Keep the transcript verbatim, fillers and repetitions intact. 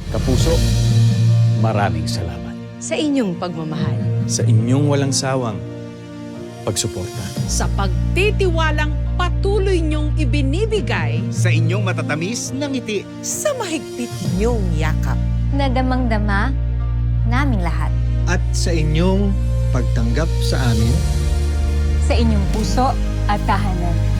Kapuso, maraming salamat Sa inyong pagmamahal. sa inyong walang sawang pagsuporta. Sa pagtitiwalang patuloy niyong ibinibigay Sa inyong matatamis na ngiti. Sa mahigpit niyong yakap. Na damang-dama naming lahat. At sa inyong pagtanggap sa amin Sa inyong puso at tahanan.